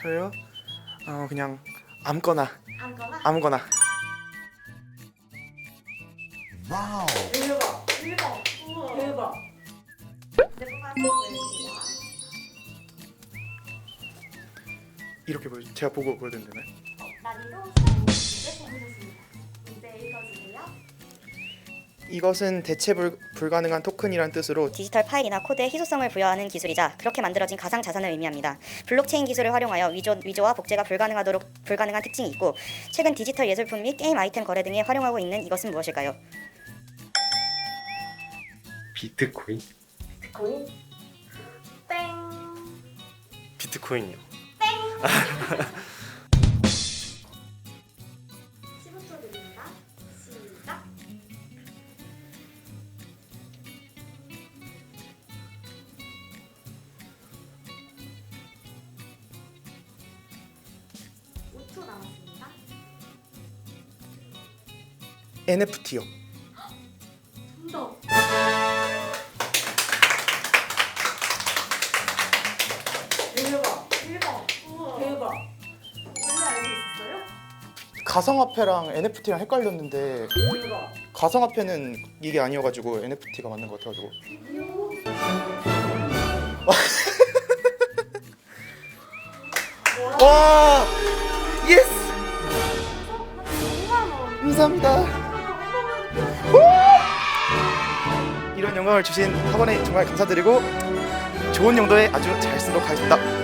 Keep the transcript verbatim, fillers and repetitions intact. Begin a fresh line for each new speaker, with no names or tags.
저요? 어 그냥 아무거나
아무거나?
아무거나.
와우.
대박 대박 우와 대박. 이제 뽑아서 보여드릴게요.
이렇게 보여 제가 보고 보여드리면 되나요?
어, 난이도 삼 문제 뽑으셨습니다. 문제 읽어주세요.
이것은 대체 불, 불가능한 토큰이란 뜻으로
디지털 파일이나 코드에 희소성을 부여하는 기술이자 그렇게 만들어진 가상 자산을 의미합니다. 블록체인 기술을 활용하여 위조, 위조와 복제가 불가능하도록 불가능한 특징이 있고 최근 디지털 예술품 및 게임 아이템 거래 등에 활용하고 있는 이것은 무엇일까요?
비트코인?
비트코인? 땡.
비트코인이요.
십오 초 드립니다. 시작. 오 초 남았습니다.
엔에프티요.
정답. 대박 대박 우와 대박. 원래 알고 있었어요?
가상화폐랑 엔에프티랑 헷갈렸는데
대박.
가상화폐는 이게 아니어가지고 엔에프티가 맞는 것 같아가지고. 와 예스
오만 원.
감사합니다. 이런 영광을 주신 학원에 정말 감사드리고 좋은 용도에 아주 잘 쓰도록 하겠습니다.